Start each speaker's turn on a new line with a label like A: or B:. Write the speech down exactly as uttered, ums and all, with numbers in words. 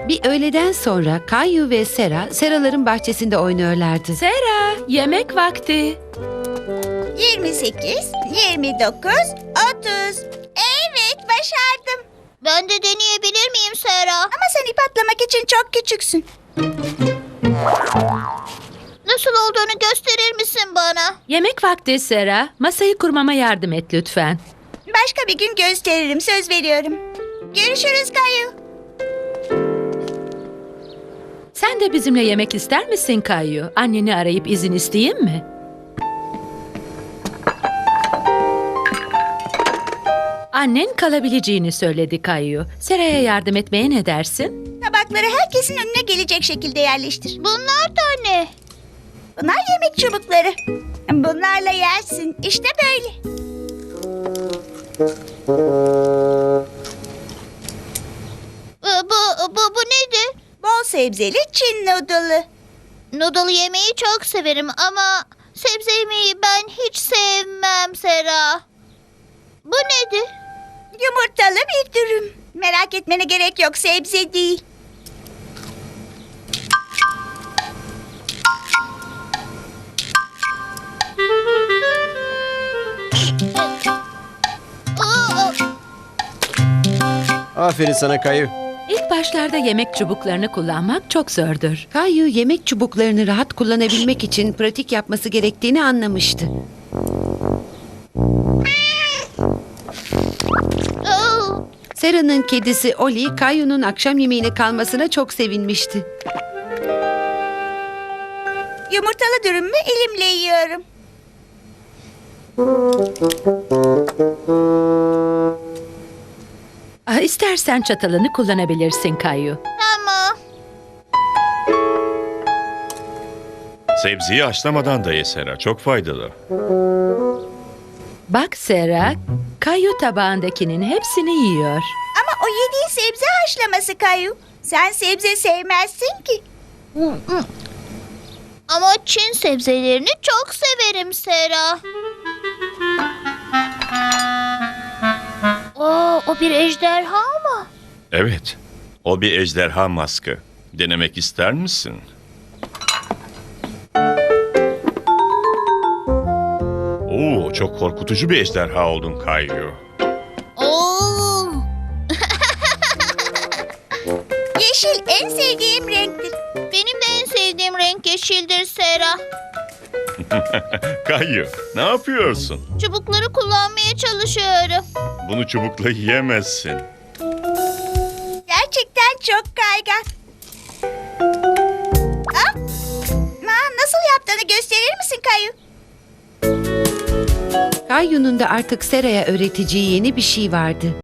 A: Bir öğleden sonra Kayu ve Sera, Seraların bahçesinde oynuyorlardı.
B: Sera, yemek vakti.
C: yirmi sekiz, yirmi dokuz, otuz. Evet, başardım.
D: Ben de deneyebilir miyim Sera?
C: Ama sen ip atlamak için çok küçüksün.
D: Nasıl olduğunu gösterir misin bana?
B: Yemek vakti Sera. Masayı kurmama yardım et lütfen.
C: Başka bir gün gösteririm, söz veriyorum. Görüşürüz Kayu.
B: Sen de bizimle yemek ister misin Kayu? Anneni arayıp izin isteyeyim mi? Annen kalabileceğini söyledi Kayu. Sera'ya yardım etmeye ne dersin?
C: Tabakları herkesin önüne gelecek şekilde yerleştir.
D: Bunlar da ne?
C: Bunlar yemek çubukları. Bunlarla yersin. İşte böyle.
D: Ee, Bu, bu, bu nedir?
C: Bol sebzeli Çin noodle'ı.
D: Noodle yemeyi çok severim ama sebze yemeyi ben hiç sevmem Sera. Bu nedir?
C: Yumurtalı bir dürüm. Merak etmene gerek yok, sebze değil.
D: Aa,
E: Aferin sana Kayu.
B: İlk başlarda yemek çubuklarını kullanmak çok zordur.
A: Kayu yemek çubuklarını rahat kullanabilmek için pratik yapması gerektiğini anlamıştı.
D: aa.
A: Sera'nın kedisi Oli, Kayu'nun akşam yemeğine kalmasına çok sevinmişti.
C: Yumurtalı dürümümü elimle yiyorum.
B: Ah, İstersen çatalını kullanabilirsin Kayu.
D: Tamam.
F: Sebzeyi haşlamadan da ye Sera. Çok faydalı.
B: Bak Sera, Kayu tabağındakinin hepsini yiyor.
C: Ama o yediğin sebze haşlaması Kayu. Sen sebze sevmezsin ki.
D: Ama Çin sebzelerini çok severim Sera. Oo, o bir ejderha mı?
F: Evet. O bir ejderha maskı. Denemek ister misin? Oo, çok korkutucu bir ejderha oldun Kayu.
D: Oo.
C: Yeşil en sevdiğim renktir.
D: Benim de en sevdiğim renk yeşildir Sera.
F: Kayu, ne yapıyorsun?
D: Çubukları kullanmaya çalışıyorum.
F: Bunu çubukla yiyemezsin.
C: Gerçekten çok kaygan. Ah! Aa, nasıl yaptığını gösterir misin Kayu?
A: Kayu'nun da artık Sera'ya öğreteceği yeni bir şey vardı.